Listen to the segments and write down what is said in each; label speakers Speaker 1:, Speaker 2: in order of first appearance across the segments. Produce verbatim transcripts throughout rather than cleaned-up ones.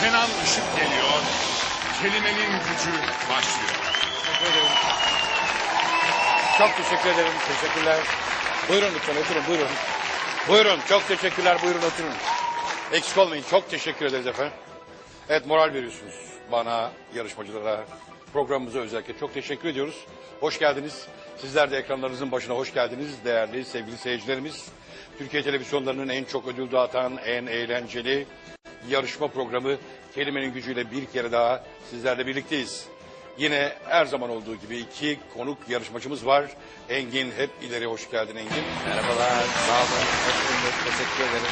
Speaker 1: Kenan Işık geliyor. Kelimenin gücü başlıyor.
Speaker 2: Teşekkür ederim. Çok teşekkür ederim. Teşekkürler. Buyurun lütfen oturun buyurun. Buyurun çok teşekkürler buyurun oturun. Eksik olmayın çok teşekkür ederiz efendim. Evet moral veriyorsunuz bana, yarışmacılara, programımıza özellikle çok teşekkür ediyoruz. Hoş geldiniz. Sizler de ekranlarınızın başına hoş geldiniz değerli sevgili seyircilerimiz. Türkiye televizyonlarının en çok ödül dağıtan, en eğlenceli yarışma programı Kelimenin Gücü'yle bir kere daha sizlerle birlikteyiz. Yine her zaman olduğu gibi iki konuk yarışmacımız var. Engin hep ileri hoş geldin Engin.
Speaker 3: Merhabalar, sağ olun. Hoş bulduk, teşekkür ederim.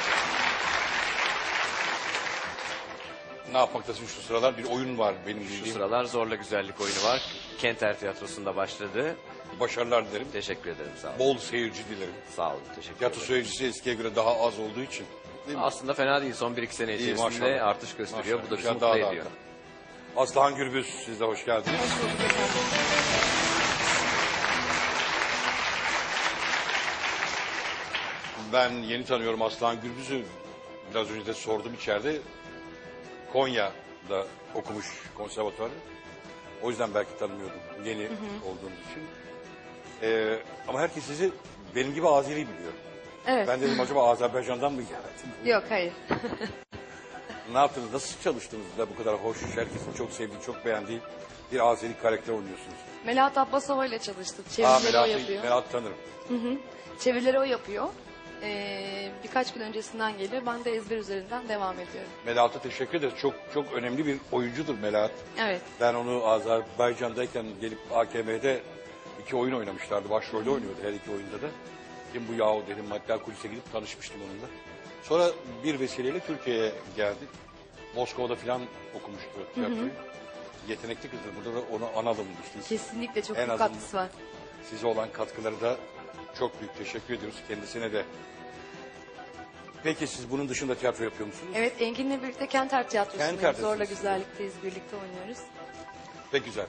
Speaker 2: Ne yapmaktasın şu sıralar? Bir oyun var benim
Speaker 3: Şu
Speaker 2: bildiğim.
Speaker 3: sıralar Zorla Güzellik oyunu var. Kenter Tiyatrosu'nda başladı.
Speaker 2: Başarılar dilerim.
Speaker 3: Teşekkür ederim, sağ olun.
Speaker 2: Bol seyirci dilerim.
Speaker 3: Sağ olun, teşekkür
Speaker 2: Tiyatro
Speaker 3: ederim.
Speaker 2: seyircisi eskiye göre daha az olduğu için. Değil mi?
Speaker 3: Aslında fena değil, son bir iki sene
Speaker 2: İyi,
Speaker 3: içerisinde
Speaker 2: maşallah.
Speaker 3: artış gösteriyor.
Speaker 2: Maşallah.
Speaker 3: Bu da bizi
Speaker 2: Güzel,
Speaker 3: mutlu
Speaker 2: daha da
Speaker 3: ediyor.
Speaker 2: artar. Aslıhan Gürbüz siz de hoş geldiniz.
Speaker 4: Hoş bulduk efendim.
Speaker 2: Ben yeni tanıyorum Aslıhan Gürbüz'ü. Biraz önce de sordum içeride. Konya'da okumuş konservatuvarı. O yüzden belki tanımıyordum yeni olduğunuz için. Ee, ama herkes sizi benim gibi Azeri biliyor.
Speaker 4: Evet.
Speaker 2: Ben dedim acaba Azerbaycan'dan mı geldin?
Speaker 4: Yok hayır.
Speaker 2: Ne yaptınız? Nasıl çalıştınız da bu kadar hoş, herkesin çok sevdiği, çok beğendiği bir Azeri karakter oynuyorsunuz?
Speaker 4: Melahat Abbasova ile çalıştık.
Speaker 2: Aa,
Speaker 4: Çevirileri o
Speaker 2: Melahat'ı
Speaker 4: yapıyor.
Speaker 2: Melahat tanırım.
Speaker 4: Çevirileri o yapıyor. Ee, birkaç gün öncesinden geliyor. Ben de ezber üzerinden devam ediyorum.
Speaker 2: Melahat'a teşekkür ederiz. Çok çok önemli bir oyuncudur Melahat.
Speaker 4: Evet.
Speaker 2: Ben onu Azerbaycan'dayken gelip A K M'de iki oyun oynamışlardı. Başrolde oynuyordu her iki oyunda da. Kim bu yahu dedim. Hatta kulise gidip tanışmıştım onunla. Sonra bir vesileyle Türkiye'ye geldi. Moskova'da falan okumuştu tiyatroyu. Yetenekli kızdır. Burada da onu analım işte.
Speaker 4: Kesinlikle çok
Speaker 2: En
Speaker 4: büyük
Speaker 2: azından-
Speaker 4: katkısı var.
Speaker 2: Size olan katkıları da çok büyük teşekkür ediyoruz kendisine de. Peki siz bunun dışında tiyatro yapıyor musunuz?
Speaker 4: Evet, Engin'le birlikte Kenter Tiyatrosu'ndayız.
Speaker 2: Kenter'desiniz.
Speaker 4: Zorla Güzellik'teyiz. Birlikte oynuyoruz.
Speaker 2: Pek güzel.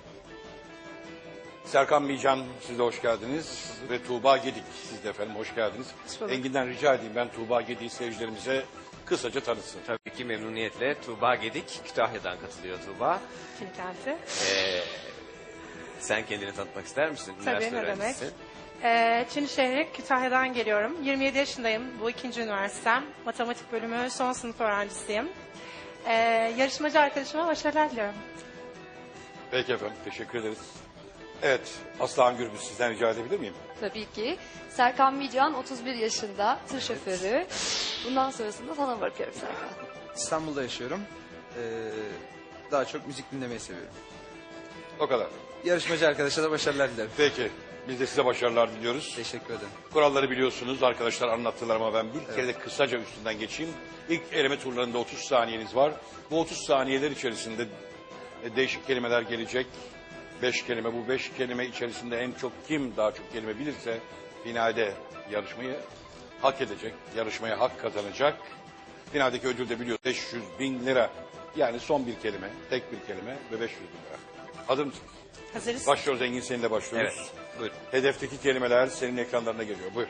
Speaker 2: Serkan Mican siz de hoş geldiniz. Ve Tuğba Gedik siz de efendim hoş geldiniz.
Speaker 4: Hoş bulduk.
Speaker 2: Engin'den rica edeyim ben Tuğba Gedik'i seyircilerimize kısaca tanıtsın.
Speaker 3: Tabii ki memnuniyetle Tuğba Gedik, Kütahya'dan katılıyor Tuğba.
Speaker 5: Kim geldi?
Speaker 3: Ee, sen kendini tanıtmak ister misin?
Speaker 5: Tabii,
Speaker 3: Üniversite
Speaker 5: ne demek.
Speaker 3: öğrencisi.
Speaker 5: Ee, Çin şehri Kütahya'dan geliyorum. yirmi yedi yaşındayım. Bu ikinci üniversitem. Matematik bölümü son sınıf öğrencisiyim. Ee, yarışmacı arkadaşıma başarılar diliyorum.
Speaker 2: Peki efendim teşekkür ederiz. Evet Aslıhan Gürbüz sizden rica edebilir miyim?
Speaker 4: Tabii ki. Serkan Mican otuz bir yaşında. Tır şoförü. Bundan sonrasında sana bırakıyorum Serkan.
Speaker 6: İstanbul'da yaşıyorum. Ee, daha çok müzik dinlemeyi seviyorum.
Speaker 2: O kadar.
Speaker 6: Yarışmacı arkadaşa da başarılar dilerim.
Speaker 2: Peki biz de size başarılar diliyoruz.
Speaker 6: Teşekkür ederim.
Speaker 2: Kuralları biliyorsunuz arkadaşlar anlattılar ama ben bir kere de kısaca üstünden geçeyim. İlk eleme turlarında otuz saniyeniz var. Bu otuz saniyeler içerisinde e, değişik kelimeler gelecek. Beş kelime bu beş kelime içerisinde en çok kim daha çok kelime bilirse finalde yarışmayı hak edecek. Yarışmaya hak kazanacak. Finaldeki ödül de biliyor beş yüz bin lira. Yani son bir kelime, tek bir kelime ve beş yüz bin lira. Hazır mısınız?
Speaker 5: Hazırız.
Speaker 2: Başlıyoruz Engin seninle başlıyoruz.
Speaker 3: Evet, buyurun.
Speaker 2: Hedefteki kelimeler senin ekranlarına geliyor. Buyur.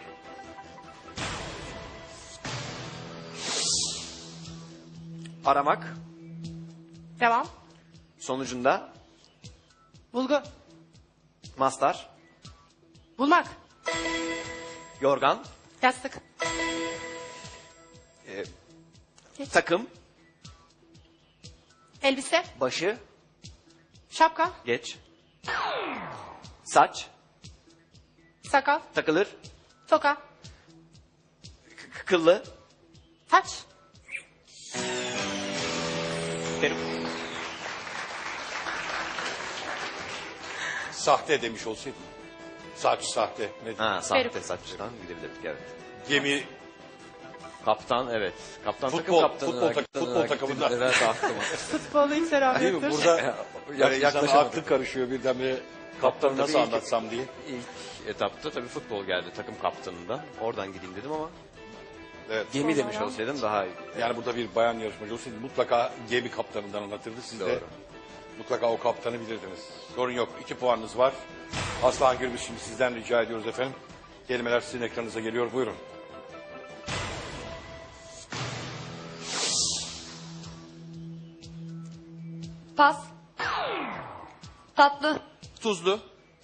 Speaker 3: Aramak,
Speaker 5: Devam.
Speaker 3: sonucunda
Speaker 5: Bulgu.
Speaker 3: mastar,
Speaker 5: Bulmak.
Speaker 3: yorgan,
Speaker 5: Yastık.
Speaker 3: e, takım,
Speaker 5: Elbise.
Speaker 3: başı,
Speaker 5: Şapka.
Speaker 3: geç, saç,
Speaker 5: Sakal.
Speaker 3: takılır,
Speaker 5: Toka.
Speaker 3: k- kıllı,
Speaker 5: Taç.
Speaker 3: peruk,
Speaker 2: Sahte demiş olsaydın. Saç sahte. Ne?
Speaker 3: ha, sahte
Speaker 5: Peruk.
Speaker 3: saçtan gidebilirdik evet.
Speaker 2: Gemi
Speaker 3: Kaptan evet. Kaptan
Speaker 2: Futbol-
Speaker 3: takım kaptanı.
Speaker 2: futbol tak-
Speaker 3: hakikaten
Speaker 2: futbol
Speaker 3: hakikaten
Speaker 2: takımından.
Speaker 3: Evet aklıma.
Speaker 5: Futbolu hiç selam
Speaker 2: değil mi?
Speaker 5: yoktur.
Speaker 2: Burada
Speaker 3: Ya-
Speaker 2: yani insanın
Speaker 3: yaklaşamadım.
Speaker 2: aklı karışıyor birdenbire. Kaptanı nasıl
Speaker 3: Tabii ilk-
Speaker 2: anlatsam diye.
Speaker 3: İlk etapta tabii futbol geldi takım kaptanından. Oradan gideyim dedim ama
Speaker 2: Evet.
Speaker 3: gemi demiş
Speaker 5: Sonra-
Speaker 3: olsaydım daha iyi.
Speaker 2: Yani burada bir bayan yarışmacı olsaydı mutlaka gemi kaptanından anlatırdı. Siz de
Speaker 3: Doğru.
Speaker 2: mutlaka o kaptanı bilirdiniz. Sorun yok. İki puanınız var. Aslıhan Gürbüz şimdi sizden rica ediyoruz efendim. Kelimeler sizin ekranınıza geliyor. Buyurun.
Speaker 4: Pas. Tatlı.
Speaker 6: Tuzlu.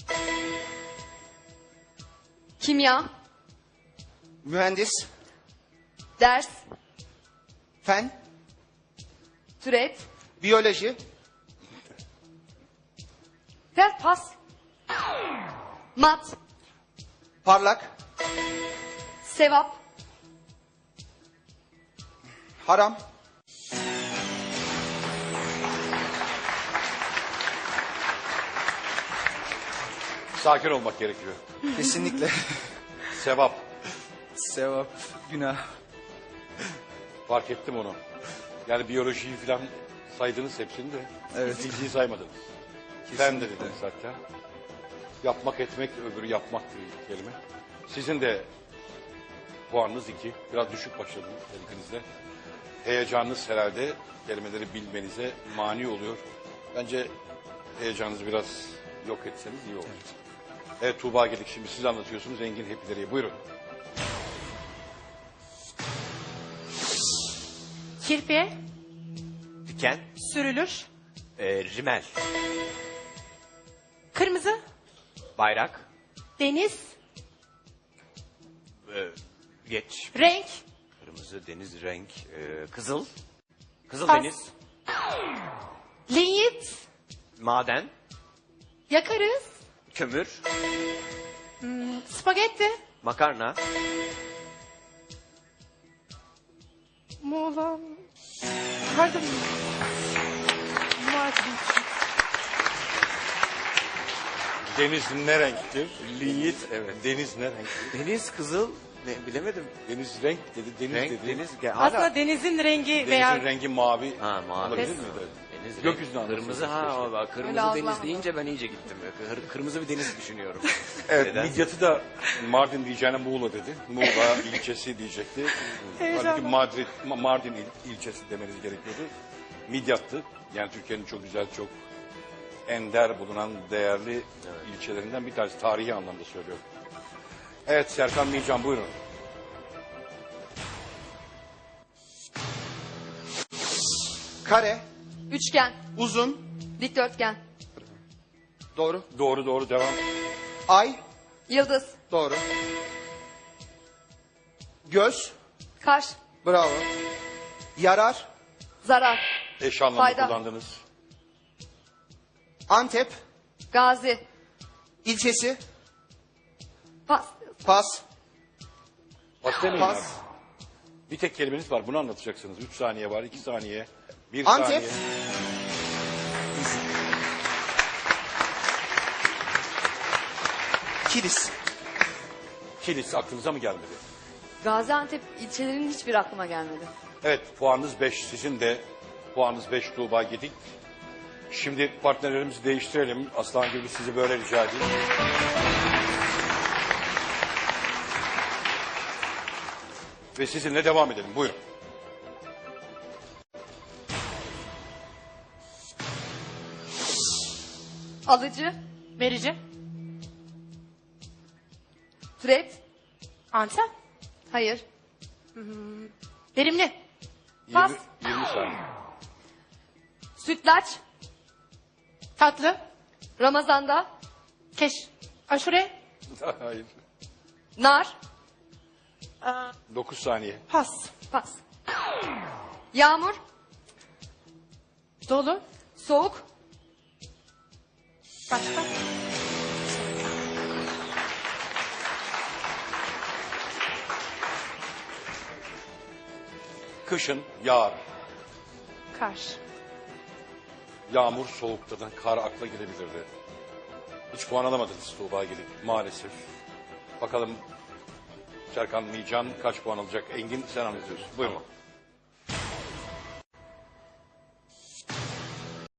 Speaker 4: Kimya.
Speaker 6: Mühendis.
Speaker 4: Ders.
Speaker 6: Fen.
Speaker 4: Türet.
Speaker 6: Biyoloji.
Speaker 4: Ver pas. Mat.
Speaker 6: Parlak.
Speaker 4: Sevap.
Speaker 6: Haram.
Speaker 2: Sakin olmak gerekiyor.
Speaker 6: Kesinlikle.
Speaker 2: Sevap.
Speaker 6: Sevap. Günah.
Speaker 2: Fark ettim onu. Yani biyolojiyi falan saydınız hepsini de.
Speaker 6: Evet.
Speaker 2: Fiziği saymadınız. Fen de dediniz hatta. Yapmak etmek, öbürü yapmak bir kelime. Sizin de puanınız iki. Biraz düşük başladınız elikinizde. Heyecanınız herhalde kelimeleri bilmenize mani oluyor. Bence heyecanınızı biraz yok etseniz iyi olur. Evet, evet Tuğba Gedik, şimdi siz anlatıyorsunuz Engin hep ileriye. Buyurun.
Speaker 5: Kirpiye
Speaker 3: Diken.
Speaker 5: sürülür.
Speaker 3: E, rimel.
Speaker 5: Kırmızı.
Speaker 3: Bayrak.
Speaker 5: Deniz.
Speaker 3: E, geç.
Speaker 5: Renk.
Speaker 3: Kırmızı, deniz, renk. E, kızıl. Kızıl
Speaker 5: Pas.
Speaker 3: deniz.
Speaker 5: Linyit.
Speaker 3: Maden.
Speaker 5: Yakarız.
Speaker 3: Kömür.
Speaker 5: Spagetti.
Speaker 3: Makarna.
Speaker 5: Muğla. Pardon. Mardin.
Speaker 2: Deniz ne renktir? Linyit, evet. Deniz ne renktir?
Speaker 3: Deniz, kızıl. Ne, bilemedim.
Speaker 2: Deniz renk dedi, deniz
Speaker 3: Renk,
Speaker 2: dedi.
Speaker 3: deniz. Ge-
Speaker 5: Aslında
Speaker 3: hala-
Speaker 5: denizin rengi
Speaker 2: Denizin
Speaker 5: veya
Speaker 2: rengi mavi.
Speaker 3: Ha, mavi.
Speaker 2: Olabilir
Speaker 5: Pes.
Speaker 2: miydi?
Speaker 3: Deniz,
Speaker 2: Gökyüzünü
Speaker 3: renk,
Speaker 2: anlatıyorsunuz
Speaker 3: kırmızı ha,
Speaker 2: keşke.
Speaker 3: o bak, kırmızı
Speaker 4: Öyle
Speaker 3: deniz
Speaker 4: algılamadım.
Speaker 3: deyince ben iyice gittim. Kır- Kırmızı bir deniz düşünüyorum.
Speaker 2: Evet,
Speaker 3: Neden?
Speaker 2: Midyat'ı da Mardin diyeceğine Muğla dedi. Muğla ilçesi diyecekti. Halbuki Madrid, Ma- Mardin il- ilçesi demeniz gerekiyordu. Midyat'tı. Yani Türkiye'nin çok güzel, çok ender bulunan değerli ilçelerinden bir tanesi. Tarihi anlamda söylüyorum. Evet, Serkan Mican buyurun.
Speaker 6: Kare.
Speaker 4: Üçgen.
Speaker 6: Uzun.
Speaker 4: Dikdörtgen.
Speaker 6: Doğru.
Speaker 2: Doğru doğru devam.
Speaker 6: Ay.
Speaker 4: Yıldız.
Speaker 6: Doğru. Göz.
Speaker 4: Kaş.
Speaker 6: Bravo. Yarar.
Speaker 4: Zarar.
Speaker 2: Eş anlamda
Speaker 4: Fayda.
Speaker 2: kullandınız.
Speaker 6: Antep.
Speaker 4: Gazi.
Speaker 6: İlçesi.
Speaker 4: Pas.
Speaker 6: Pas.
Speaker 2: Pas demeyin
Speaker 6: Pas.
Speaker 2: abi. Bir tek kelimeniz var. Bunu anlatacaksınız. Üç saniye var, iki saniye, bir
Speaker 6: Antep.
Speaker 2: saniye.
Speaker 6: Kilis.
Speaker 2: Kilis aklınıza mı gelmedi?
Speaker 4: Gaziantep ilçelerinin hiçbir aklıma gelmedi.
Speaker 2: Evet, puanınız beş. Sizin de puanınız beş Tuğba Gedik. Şimdi partnerlerimizi değiştirelim. Aslan gibi sizi böyle rica edeyim. Ve sizinle devam edelim. Buyurun.
Speaker 4: Alıcı.
Speaker 5: Verici.
Speaker 4: Türet.
Speaker 5: Antep.
Speaker 4: Hayır.
Speaker 5: Verimli.
Speaker 4: Pas.
Speaker 2: yirmi, yirmi saniye.
Speaker 4: Sütlaç.
Speaker 5: Tatlı.
Speaker 4: Ramazanda.
Speaker 5: Keş. Aşure.
Speaker 2: Hayır.
Speaker 4: Nar.
Speaker 2: dokuz saniye.
Speaker 5: Pas.
Speaker 4: Pas. Yağmur.
Speaker 5: Dolu.
Speaker 4: Soğuk.
Speaker 5: Başka.
Speaker 2: Kışın yağar.
Speaker 5: Kar.
Speaker 2: Yağmur soğuktadan kar akla girebilirdi. Hiç puan alamadınız Tuğba Gedik maalesef. Bakalım Serkan Mican kaç puan alacak? Engin sen anlatıyorsun. Buyurun.